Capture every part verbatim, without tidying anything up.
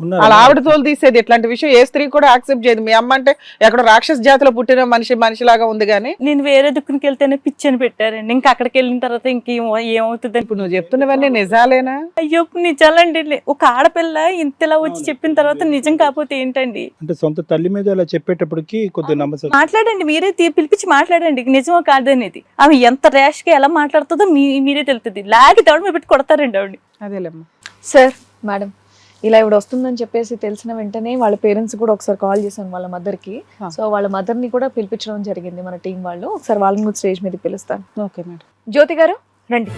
వాళ్ళ ఆవిడ తోలు తీసేది. ఇట్లాంటి విషయం ఏ స్త్రీ కూడా యాక్సెప్ట్ చేయదు. మీ అమ్మ అంటే ఎక్కడ రాక్షస జాతిలో పుట్టిన మనిషి మనిషిలాగా ఉంది కానీ నేను వేరే దుక్కునికి వెళ్తేనే పిచ్చని పెట్టారండి. ఇంకా అక్కడికి వెళ్ళిన తర్వాత ఇంకేం ఏమవుతుంది. ఇప్పుడు నువ్వు చెప్తున్నవన్నీ నిజాలేనా? అయ్యో నిజాలండి. ఒక ఆడపిల్ల ఇంతలా వచ్చి చెప్పిన తర్వాత నిజం కాకపోతే ఏంటండి? అంటే సొంత తల్లి మీద ఇలా చెప్పేటప్పటికి కొద్దిగా నమ్మసం. మాట్లాడండి, మీరే తీ- పిలిపించి మాట్లాడండి నిజమో కాదనేది. ఆమె ఎంత ర్యాష్ గా ఎలా మాట్లాడుతుందో మీ మీరే తెలుస్తుంది. లాగి తవడ మీద పెట్టి కొడతారండి ఆవిడ. అదేలేమ్మా. సార్ మేడం ఇలా ఇప్పుడు వస్తుందని చెప్పేసి తెలిసిన వెంటనే వాళ్ళ పేరెంట్స్ కూడా ఒకసారి కాల్ చేశాను వాళ్ళ మదర్ కి. సో వాళ్ళ మదర్ ని కూడా పిలిపించడం జరిగింది మన టీం వాళ్ళు. ఒకసారి వాళ్ళని కూడా స్టేజ్ మీద పిలుస్తాను. Okay madam. జ్యోతి గారు రండి.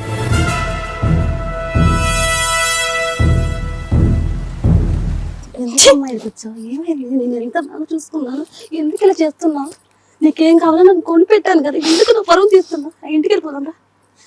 ఏమైంది? నేను ఎంత బాగా చూసుకున్నాను, ఎందుకు ఇలా చేస్తున్నావు? నీకేం కావాలో నాకు కొని పెట్టాను కదా, ఎందుకు నువ్వు పరువు తీస్తున్నా? ఇంటికి వెళ్ళిపోదాం రా.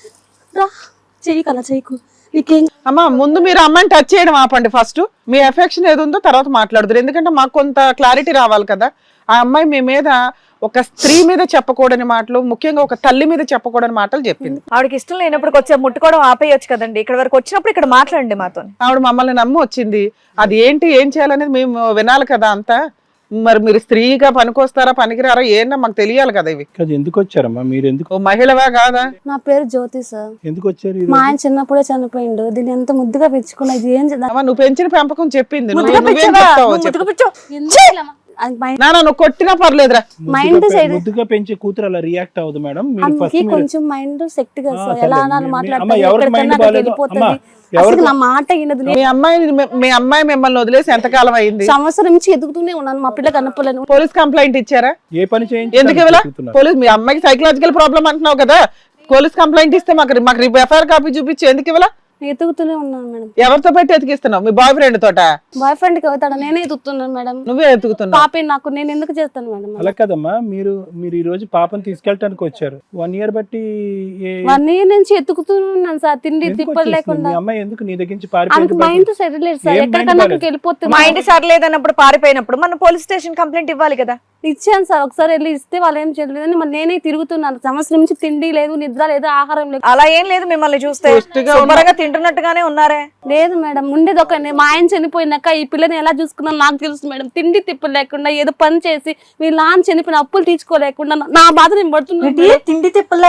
రా చెయ్యి కలా చెయ్యకు. నీకేం అమ్మా ముందు మీరు అమ్మాయిని టచ్ చేయడం ఆపండి. ఫస్ట్ మీ ఎఫెక్షన్ ఏది ఉందో తర్వాత మాట్లాడుతారు. ఎందుకంటే మాకు కొంత క్లారిటీ రావాలి కదా. ఆ అమ్మాయి మీ మీద ఒక స్త్రీ మీద చెప్పకూడని మాటలు, ముఖ్యంగా ఒక తల్లి మీద చెప్పకూడని మాటలు చెప్పింది. ఆవిడకి ఇష్టం లేనప్పుడు వచ్చే ముట్టుకోవడం ఆపేయొచ్చు కదండి. ఇక్కడ వరకు వచ్చినప్పుడు ఇక్కడ మాట్లాడండి మాతో. ఆవిడ మమ్మల్ని నమ్మి వచ్చింది. అది ఏంటి ఏం చేయాలనేది మేము వినాలి కదా అంతా. మరి మీరు స్త్రీగా పనికొస్తారా పనికిరారా ఏంటో మాకు తెలియాలి కదా. ఇవి అది ఎందుకు వచ్చారమ్మా మీరు? ఎందుకు ఓ మహిళవా కాదా? నా పేరు జ్యోతి సార్. ఎందుకు వచ్చారు ఈ మా రోజు? ఆయన చిన్నప్పుడే చనిపోయిండు. దీన్ని ఎంత ముద్దుగా పెంచుకున్నా, ఇది ఏం చేద్దాం? అమ్మా నువ్వు పెంచిన పెంపకం చెప్పింది. నువ్వు- ముద్దుగా నువ్వేం పెంచావా? చెప్తావో నువ్వు చెప్పు. ముద్దుగా పెంచావు. ఎందుకు ఇలా మా- అది మైండ్ నాన్న నువ్వు కొట్టినా పర్లేదురా. మైండ్ ముద్దుగా పె- సైడ్ ముద్దుగా పెంచే కూతురు అలా రియాక్ట్ అవ్వదు మేడం. మీరు ఫస్ట్ అందుకే కొంచెం మైండ్ సెట్ గా సార్. ఆ, ఎలా సరే. అనాలి మీ- మీ- మాట్లాడుతుంది, అమ్మ, ఎవరికి ఎక్కడికన్నా మైండ్ అక్కడికి బాగాలేదు? వెళ్ళిపోతుంది. అమ్మ, అసలు ఎవరికి- నా మాట వినదు. మీ అమ్మాయి మీ అమ్మాయి మిమ్మల్ని వదిలేసి ఎంతకాలం అయింది? సంవత్సరం నుంచి ఎదుగుతూనే ఉన్నాను. మా పిల్ల కనపలేను. పోలీస్ కంప్లైంట్ ఇచ్చారా? ఏ పని చేయించి ఎందుకు ఇవ్వాల? పోలీస్ మీ అమ్మాయికి సైకలాజికల్ ప్రాబ్లం అంటున్నావు కదా. పోలీస్ కంప్లైంట్ ఇస్తే మాకు మాకు ఎఫ్ఐఆర్ కాపీ చూపించి ఎందుకు ఇవ్వాల? ఎదుగుతూనే ఉన్నాను మేడం. ఎవరితో పెట్టి ఎతికిస్తున్నావు? మీ బాయ్ ఫ్రెండ్ తోట? బాయ్ ఫ్రెండ్ కి అవుతాడు, నేనే ఎదుగుతున్నాను మేడం. నువ్వే ఎత్తుకుతున్నావు. పాపే నాకు, నేను ఎందుకు చేస్తాను మేడం? అలా కదమ్మా, మీరు మీరు ఈ రోజు పాపని తీసుకెళ్ళటానికి వచ్చారు. వన్ ఇయర్ బట్టి ఏ- వన్ ఇయర్ నుంచి ఎత్తుకుతున్నాను సార్, తిండి ఎందుకు తిప్పలు వచ్చేసింది? లేకుండా. మీ అమ్మాయి ఎందుకు నీ దగ్గర నుంచి ఆమెకు పారిపోయింది? మైండ్ సెట్ లేదు సార్. ఏం ఎక్కడికన్నా mind అక్కడికి వెళ్ళిపోతుంది. మా ఇంటి సర్లేదన్నప్పుడు పారిపోయినప్పుడు మనం పోలీస్ స్టేషన్ కంప్లైంట్ ఇవ్వాలి కదా. ఇచ్చాను సార్, ఒకసారి వెళ్ళి ఇస్తే వాళ్ళు ఏం చేయలేదని మరి నేనే తిరుగుతున్నాను. సంవత్సరం నుంచి తిండి లేదు, నిద్ర లేదు, ఆహారం లేదు. అలా ఏం లేదు మిమ్మల్ని చూస్తే పుష్టిగా ఉన్న- శుభ్రంగా తింటున్నట్టుగానే ఉన్నారే. లేదు మేడం, ఉండేది ఒక మా ఆయన చనిపోయినాక ఈ పిల్లని ఎలా చూసుకున్నాను నాకు తెలుసు మేడం. తిండి తిప్పలు లేకుండా ఏదో పని చేసి వీళ్ళ నాన్న చనిపోయిన అప్పులు తీర్చుకోలేకుండా నా బాధ నేను పడుతున్నాను మేడం. తిండి లేదు, లేదు,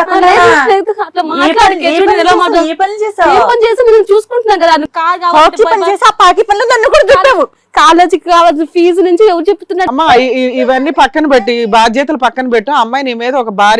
అట్లా మాట్లాడకే, చూడండి ఎలా మాట్లాడు- ఏ పని చేసావు? ఏ పని చేసి నేను చూసుకుంటున్నాను కదా. అది కాదు కాబట్టి కాకి పని చేసి ఆ పాకి పనులు నన్ను కూడా దుద్దావు. కాలేజీకి కావాల్సిన ఫీజు నుంచి ఎవరు చెప్తున్నారు? అమ్మా ఇ- ఇ- ఇవన్నీ పక్కన పెట్టి బాధ్యతలు పక్కన పెట్టు. అమ్మాయి నీ మీద ఒక భారీ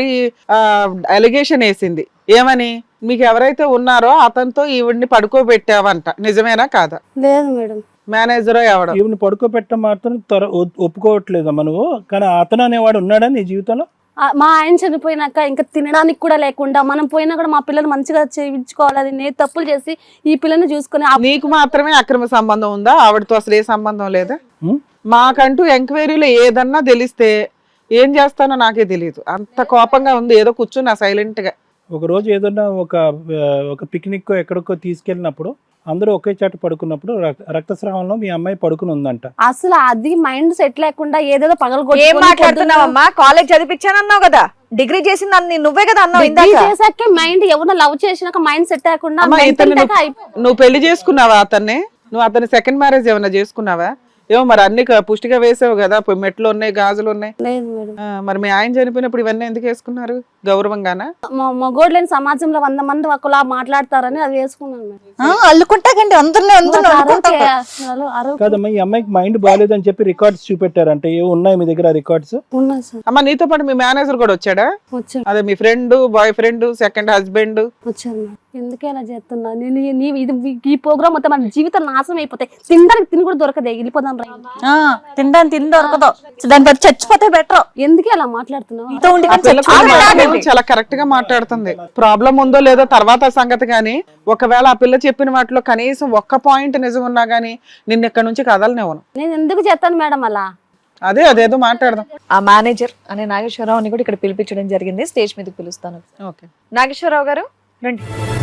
అలిగేషన్ వేసింది. ఏమని? మీకు ఎవరైతే ఉన్నారో అతనితో ఈవిడ్ని పడుకోబెట్టావంట. నిజమేనా కాదా? లేదు మేడం. మేనేజరో ఎవడో ఈవిని పడుకోబెట్టడం మాత్రం త్వర ఒ- ఒప్పుకోవట్లేదమ్మా నువ్వు. కానీ అతను అనేవాడు ఉన్నాడా నీ జీవితంలో? ఆ, మా ఆయన చనిపోయినాక ఇంకా తినడానికి కూడా లేకుండా మనం పోయినా కూడా మా పిల్లలు మంచిగా చేయించుకోవాలి. అది నేను తప్పులు చేసి ఈ పిల్లని చూసుకుని ఆ- నీకు మాత్రమే అక్రమ సంబంధం ఉందా? ఆవిడతో అసలు ఏ సంబంధం లేదా? ఉం? మాకంటూ ఎంక్వైరీలో ఏదన్నా తెలిస్తే ఏం చేస్తానో నాకే తెలియదు. అంత కోపంగా ఉంది. ఏదో కూర్చున్నా సైలెంట్ గా. ఒక రోజు ఏదన్నా ఒక ఆ, ఒక పిక్నిక్ ఎక్కడికో తీసుకెళ్ళినప్పుడు అందరూ ఒకే చాట పడుకున్నప్పుడు రక్- రక్తస్రావంలో మీ అమ్మాయి పడుకుని ఉందంట. అసలు అది మైండ్ సెట్ లేకుండా ఏదేదో పగలు ఏం మాట్లాడుతున్నావమ్మా? కాలేజ్ చదివించానన్నావు కదా, డిగ్రీ చేసింది అన్ని నువ్వే కదా అన్నావు ఇందాక. చేసాకే మైండ్ ఎవరో లవ్ చేసినాక మైండ్ సెట్ లేకుండా అమ్మా, mental ఇతన్ని attack అయిపో- నువ్వు నువ్వు పెళ్లి చేసుకున్నావా అతన్ని? నువ్వు అతని సెకండ్ మ్యారేజ్ ఏమైనా చేసుకున్నావా? ఏమో మరి అన్ని క- పుష్టిగా వేసావు కదా. పోయి మెట్లు ఉన్నాయి, గాజులు ఉన్నాయి. లేదు మేడం. ఆ, మరి మీ ఆయన చనిపోయినప్పుడు ఇవన్నీ ఎందుకు వేసుకున్నారు? గౌరవంగానా? మగోడు లేని సమాజంలో వంద మంది ఒకలా మాట్లాడతారని అది వేసుకున్నాను మేడం. ఆ, అల్లుకుంటాకండి అందరినీ అందరినీ అల్లుకుంటారు. అసలు అరవ కాదమ్మా, ఈ అమ్మాయికి మైండ్ బాగాలేదని చెప్పి రికార్డ్స్ చూపెట్టారంటే ఏ ఉన్నాయి మీ దగ్గర రికార్డ్స్? ఉన్నా సార్. అమ్మ నీతో పాటు మీ మేనేజర్ కూడా వచ్చాడా? వచ్చాను అదే మీ friend, boyfriend, second husband. వచ్చాను మేడం. ఎందుకే అలా చేస్తున్నా నేను? ఈ- నీ- ఇది ఈ ప్రోగ్రామ్ మొత్తం మన జీవితం నాశనం అయిపోతాయి. తినడానికి తిని కూడా దొరకదే, వెళ్ళిపోదాం రా. ఆ, తినడానికి తిండి దొరకదు. దాని బట్టి చచ్చిపోతే బెటర్. ఎందుకే అలా మాట్లాడుతున్నావు? ఇంత ఉండి ఆ కానీ పిల్ల కూడా చచ్చిపోతే మాట్లాడేది చాలా కరెక్ట్ గా మాట్లాడుతుంది. ప్రాబ్లం ఉందో లేదో తర్వాత సంగతి గానీ, ఒకవేళ ఆ పిల్ల చెప్పిన వాటిలో కనీసం ఒక్క పాయింట్ నిజం ఉన్నా గానీ నిన్ను ఇక్కడ నుంచి కదలనివ్వను. నేను ఎందుకు చేస్తాను మేడం అలా? అదే అదేదో మాట్లాడదాం. ఆ మేనేజర్ అనే నాగేశ్వరరావుని కూడా ఇక్కడ పిలిపించడం జరిగింది. స్టేజ్ మీదకి పిలుస్తాను. ఓకే నాగేశ్వరరావు గారు రండి.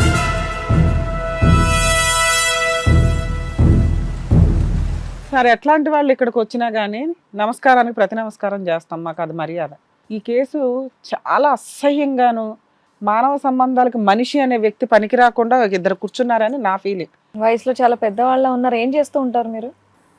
సరే, ఎట్లాంటి వాళ్ళు ఇక్కడికి వచ్చినా గానీ నమస్కారానికి ప్రతి నమస్కారం చేస్తాం. మాకు అది మర్యాద. ఈ కేసు చాలా అసహ్యంగాను, మానవ సంబంధాలకు మనిషి అనే వ్యక్తి పనికి రాకుండా ఒక ఇద్దరు కూర్చున్నారని నా ఫీలింగ్. వయసులో చాలా పెద్దవాళ్ళ ఉన్నారు. ఏం చేస్తూ ఉంటారు మీరు?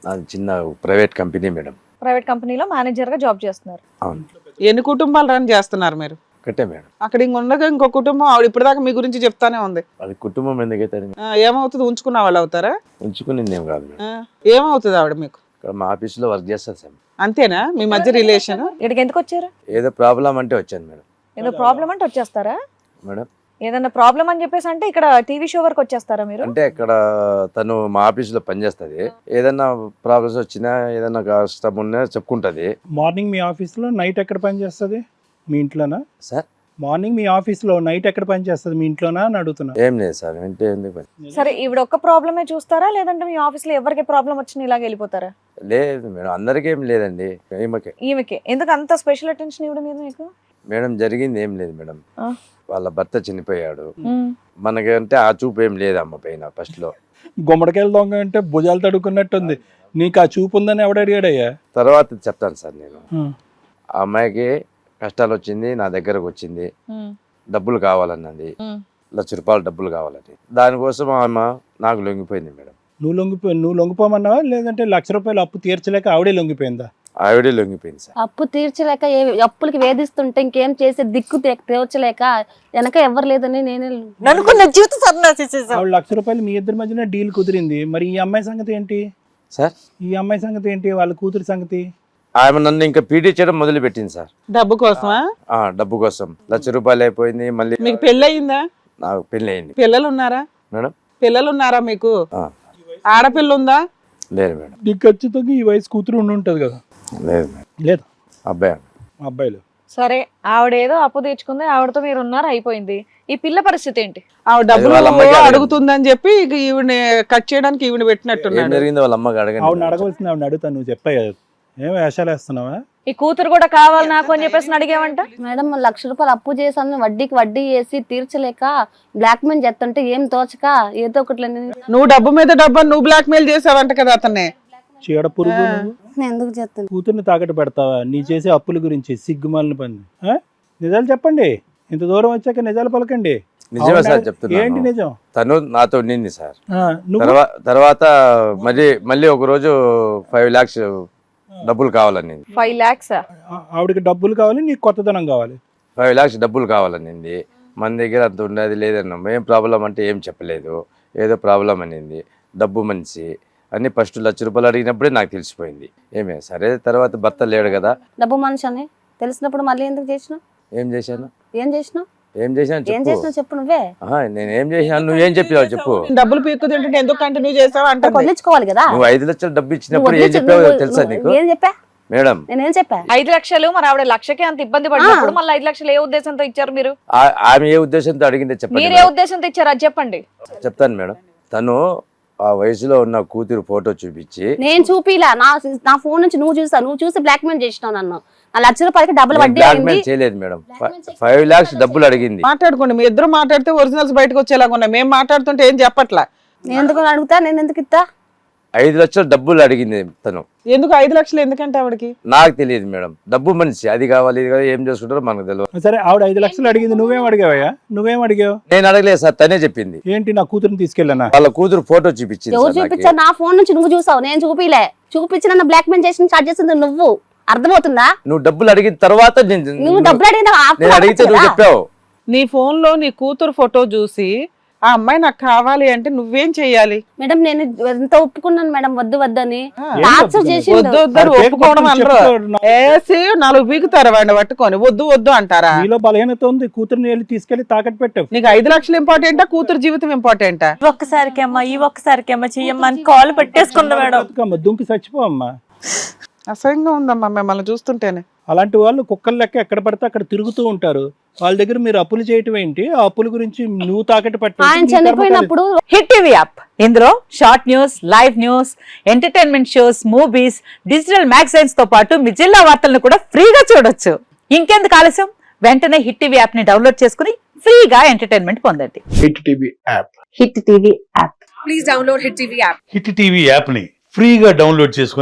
నాది చిన్న ప్రైవేట్ కంపెనీ మేడం. ప్రైవేట్ కంపెనీలో మేనేజర్ గా జాబ్ చేస్తున్నారు. అవును ఎన్ని కుటుంబాలు రన్ చేస్తున్నారు మీరు? ఒకటే మేడం. అక్కడ ఇంక ఉండగా ఇంకో కుటుంబం ఆవిడ ఇప్పటిదాకా మీ గురించి చెప్తానే ఉంది. అది కుటుంబం ఎందుకైతే ఆ, ఏమవుతుంది? ఉంచుకున్న వాళ్ళు అవుతారా? ఉంచుకునింది ఏం కాదు మేడం. ఆ, ఏమవుతుంది ఆవిడ మీకు? ఇక్కడ మా ఆఫీస్లో వర్క్ చేస్తారు సార్. అంతేనా మీ మధ్య రిలేషన్? ఇక్కడికి ఎందుకు వచ్చారు? ఏదో ప్రాబ్లం అంటే వచ్చాను మేడం. ఏదో ప్రాబ్లం అంటే వచ్చేస్తారా? మేడం ఏదన్నా ప్రాబ్లం అని చెప్పేసి అంటే ఇక్కడ టీవీ షో వరకు వచ్చేస్తారా మీరు? అంటే ఇక్కడ తను మా ఆఫీస్లో పనిచేస్తుంది. ఏదన్నా ప్రాబ్లమ్స్ వచ్చినా ఏదన్నా కష్టం ఉన్నా చెప్పుకుంటుంది. మార్నింగ్ మీ ఆఫీస్లో, నైట్ ఎక్కడ పని చేస్తుంది? మీ ఇంట్లోనా సార్ మార్నింగ్ మీ ఆఫీస్లో, నైట్ ఎక్కడ పని చేస్తుంది? మీ ఇంట్లోనా అని అడుగుతున్నా. ఏం లేదు సార్. అంటే ఎందుకు పని? సరే ఈవిడ ఒక్క ప్రాబ్లమే చూస్తారా లేదంటే మీ ఆఫీస్ లో ఎవరికి ప్రాబ్లం వచ్చినా ఇలాగ వెళ్ళిపోతారా? లేదు మేడం, అందరికీ ఏం లేదండి, ఈమెకే. ఈమెకే ఎందుకు అంత స్పెషల్ అటెన్షన్ ఇవ్వడం మీద మీకు? మేడం జరిగింది ఏం లేదు మేడం. ఆ. వాళ్ళ భర్త చనిపోయాడు. ఉమ్. మనకంటే ఆ చూపు ఏం లేదు అమ్మ పైన ఫస్ట్ లో. గుమ్మడికాయలు దొంగ అంటే భుజాలు తడుకున్నట్టుంది. నీకు ఆ చూపు ఉందని ఎవడు అడిగాడయ్యా? తర్వాత చెప్తాను సార్ నేను. ఉమ్. ఆ అమ్మాయికి కష్టాలు వచ్చింది, నా దగ్గరకు వచ్చింది, ఉమ్. డబ్బులు కావాలన్నది, ఉమ్. లక్ష రూపాయలు డబ్బులు కావాలని. దానికోసం ఆమె నాకు లొంగిపోయింది మేడం. నువ్వు లొంగిపో నువ్వు లొంగిపోమన్నావా లేదంటే లక్ష రూపాయలు అప్పు తీర్చలేక ఆవిడే లొంగిపోయిందా? ఆవిడే లొంగిపోయింది సార్. అప్పు తీర్చలేక ఏ అప్పులకి వేధిస్తుంటే ఇంకేం చేసే దిక్కు తే- తీర్చలేక వెనక ఎవరు లేదని నేనే నన్నుకున్న జీవితం సర్నాసి చేసావు. ఆవిడ లక్ష రూపాయలు మీ ఇద్దరి మధ్యన డీల్ కుదిరింది. మరి ఈ అమ్మాయి సంగతి ఏంటి? సార్ ఈ అమ్మాయి సంగతి ఏంటి? వాళ్ళ కూతురి సంగతి? ఆమె నన్ను ఇంకా పీడీ చేయడం మొదలు పెట్టింది సార్. డబ్బు కోసమా? ఆ డబ్బు కోసం లక్ష రూపాయలు అయిపోయింది. మళ్ళీ మీకు పెళ్ళి అయిందా? నాకు పెళ్లి అయింది పిల్లలు ఉన్నారా? మేడం. పిల్లలు ఉన్నారా మీకు? ఆ, ఆడపిల్ల ఉందా? లేదు మేడం. నీకు ఖచ్చితంగా ఈ వయసు కూతురు ఉండి ఉంటుంది కదా? లేదు మేడం. లేదు అబ్బాయి మా అబ్బాయిలు. సరే ఆవిడ ఏదో అప్పు తెచ్చుకుంది, ఆవిడతో మీరు ఉన్నారు, అయిపోయింది. ఈ పిల్ల పరిస్థితి ఏంటి? ఆవిడ డబ్బులు వాళ్ళ అమ్మకి అడగండి. అడుగుతుందని చెప్పి ఇక ఈవిని కట్ చేయడానికి ఈవిని ఏం పెట్టినట్టున్నాడు. జరిగిందో వాళ్ళ అమ్మకి అడగండి. ఆవిడని అడగవలసింది ఆవిడని అడుగుతా. నువ్వు చెప్పాయి కదా, ఏం వేషాలు వేస్తున్నావా? ఈ కూతురు కూడా కావాలి నాకు అని చెప్పేసి అడిగావంట. మేడం లక్ష రూపాయలు అప్పు చేశాను, వడ్డీకి వడ్డీ వేసి తీర్చలేక బ్లాక్ మెయిల్ చేస్తుంటే ఏం తోచక ఏదో ఒకటి నువ్వు డబ్బు మీద డబ్బు అని నువ్వు బ్లాక్ మెయిల్ చేసావంట కదా అతన్ని. చీడ పురుగు నువ్వు. నేను ఎందుకు చేస్తాను? కూతుర్ని తాకట్టు పెడతావా? నీ చేసే అప్పుల గురించి సిగ్గుమాలిన పని. ఆ? నిజాలు చెప్పండి. ఇంత దూరం వచ్చాక నిజాలు పలకండి. నిజమే అవునా? సార్ ఏంటి చెప్తున్నాను. నిజం? తను నాతో ఉండింది సార్. ఆ, నువ్వు తర్వా- తర్వాత మళ్ళీ మళ్ళీ ఒక రోజు ఫైవ్ లాక్స్ డబ్బులు కావాలని ఫైవ్ లాక్స్ ఆ- ఆవిడకి డబ్బులు కావాలి, నీకు కొత్తదనం కావాలి. ఫైవ్ లాక్స్ డబ్బులు కావాలనింది. మన దగ్గర అంత ఉండేది లేదన్నాం. ఏం ప్రాబ్లం అంటే ఏం చెప్పలేదు, ఏదో ప్రాబ్లం అనింది. డబ్బు మనిషి అన్ని ఫస్ట్ లక్ష రూపాయలు అడిగినప్పుడే నాకు తెలిసిపోయింది. ఏమే సరే తర్వాత భర్త లేడు కదా. డబ్బు మనిషి అని తెలిసినప్పుడు మళ్ళీ ఎందుకు చేసినావు? ఏం చేశాను ఏం చేసినావు? ఏం చేశాను ఏం చెప్పు. చేసినావు చెప్పు నువ్వే. ఆహా, నేను ఏం చేశాను, నువ్వేం చెప్పావు చెప్పు. డబ్బులు పీక్కు తింటుంటే ఎందుకు కంటిన్యూ చేసావు అంటే వదిలించుకోవాలి కదా. నువ్వు ఐదు లక్షలు డబ్బు నువ్వు ఇచ్చినప్పుడు ఏం వదిలించు- చెప్పావు నువ్వు- తెలుసా నువ్వు నీకు ఏం చెప్పా? మేడం? నేనేం చెప్పా? ఐదు లక్షలు మరి ఆవిడ లక్షకే అంత ఇబ్బంది పడినప్పుడు మళ్ళీ ఐదు లక్షలు ఏ ఉద్దేశంతో ఇచ్చారు మీరు? ఆ- ఆమె ఏ ఉద్దేశంతో అడిగిందో చెప్పండి మీరు ఏ మేడం. ఉద్దేశంతో ఇచ్చారు అది చెప్పండి. చెప్తాను మేడం. తను ఆ వయసులో ఉన్న కూతురు ఫోటో చూపించి నేను చూపిలా. నా నా ఫోన్ నుంచి నువ్వు చూసా, నువ్వు చూసి బ్లాక్ మెయిల్ చేసినావు నన్ను. నా లక్ష రూపాయలకి డబ్బులు వడ్డీ బ్లాక్ అయింది. మెయిల్ చేయలేదు మేడం. ఫైవ్ లాక్స్ డబ్బులు అడిగింది. మాట్లాడుకోండి. మీ ఇద్దరు మాట్లాడితే ఒరిజినల్స్ బయటకు వచ్చేలాగా ఉన్నాయి. మేము మాట్లాడుతుంటే ఏం చెప్పట్లా. నేను ఎందుకు అడుగుతా? నేను ఎందుకు ఇస్తా? ఐదు లక్షలు డబ్బులు అడిగింది తను. ఎందుకు ఐదు లక్షలు ఎందుకంటే ఆవిడకి? నాకు తెలియదు మేడం. డబ్బు మనిషి, అది కావాలి ఇది కావాలి, ఏం చేసుకుంటారో మనకు తెలియదు. సరే ఆవిడ ఐదు లక్షలు అడిగింది, నువ్వేం అడిగావయ్యా? నువ్వేం అడిగావు? నేను అడగలేదు సార్, తనే చెప్పింది. ఏంటి, నా కూతురుని తీసుకెళ్ళానా? వాళ్ళ కూతురు ఫోటో చూపించింది ఎవరు సార్ నాకు. చూపించా? నా ఫోన్ నుంచి నువ్వు చూసావు, నేను చూపిలే. చూపించి నన్ను బ్లాక్ మెయిల్ చేసి స్టార్ట్ చేసింది నువ్వు. అర్థమవుతుందా? నువ్వు డబ్బులు అడిగిన తర్వాత నేను- నువ్వు డబ్బులు అడిగిన నేను అడిగితే నువ్వు చెప్పావు. నీ ఫోన్ లో నీ కూతురు ఫోటో చూసి ఆ అమ్మాయి నాకు కావాలి అంటే నువ్వేం చెయ్యాలి? మేడం నేను ఎంత ఒప్పుకున్నాను మేడం వద్దు వద్దని. ఏం టార్చర్ ఒప్పుకున్నావు? చేసిండు. వద్దు వద్దు అని మరి పేరు ఒప్పుకోవడం పట్టుకొని అనరు. చెప్తాడు నా- ఏసి నాలుగు పీకుతారు వాడిని పట్టుకొని. వద్దు వద్దు అంటారా? నీలో బలహీనత ఉంది, కూతురుని వెళ్ళి తీసుకెళ్లి తాకట్టు పెట్టావు. నీకు ఐదు లక్షలు ఇంపార్టెంటా కూతురు జీవితం ఇంపార్టెంటా? ఒక్కసారికి అమ్మా ఈ ఒక్కసారికి అమ్మా చెయ్యమ్మా అని కాల్ పెట్టేసుకుందా మేడం. బతుకమ్మ, దుంకి చచ్చిపో అమ్మా. అసహ్యంగా ఉందమ్మా మిమ్మల్ని చూస్తుంటేనే. అలాంటి వాళ్ళు కుక్కలు లెక్క ఎక్కడ పడితే అక్కడ తిరుగుతూ ఉంటారు. వాళ్ళ దగ్గర మీరు అప్పులు చేయటం ఏంటి? ఆ అప్పుల గురించి నువ్వు తాకట్టు పెట్టు. ఆయన చనిపోయినప్పుడు హిట్ టీవీ యాప్ ఇందులో short news, live news, entertainment shows, movies, digital magazines తో పాటు మీ జిల్లా వార్తలను కూడా ఫ్రీగా చూడొచ్చు. ఇంకెందుకు ఆలస్యం, వెంటనే హిట్ టీవీ యాప్ ని డౌన్లోడ్ చేసుకుని ఫ్రీగా ఎంటర్టైన్మెంట్ పొందండి. Hit TV app hit TV app hit TV app ని ఫ్రీగా డౌన్లోడ్ చేసుకొని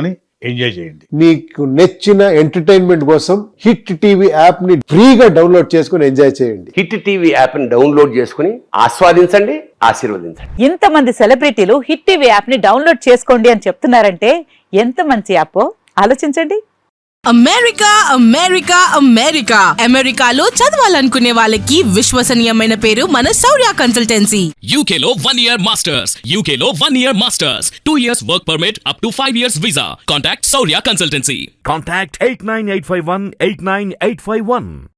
ఎంజాయ్ చేయండి. మీకు నచ్చిన ఎంటర్టైన్మెంట్ కోసం హిట్ టీవీ యాప్ ని ఫ్రీగా డౌన్లోడ్ చేసుకుని ఎంజాయ్ చేయండి. హిట్ టీవీ యాప్ ని డౌన్లోడ్ చేసుకుని ఆస్వాదించండి, ఆశీర్వదించండి. ఇంతమంది సెలబ్రిటీలు హిట్ టీవీ యాప్ ని డౌన్లోడ్ చేసుకోండి అని చెప్తున్నారంటే ఎంత మంచి యాప్ ఆలోచించండి. అమెరికా అమెరికా అమెరికా అమెరికాలో చదవాలనుకునే వాళ్ళకి విశ్వసనీయమైన పేరు మన శౌర్య కన్సల్టెన్సీ. యూకేలో వన్ ఇయర్ మాస్టర్స్ యూకేలో one year masters two years work permit up to five years visa. Contact Shaurya consultancy. Contact eight nine eight five one eight nine eight five one.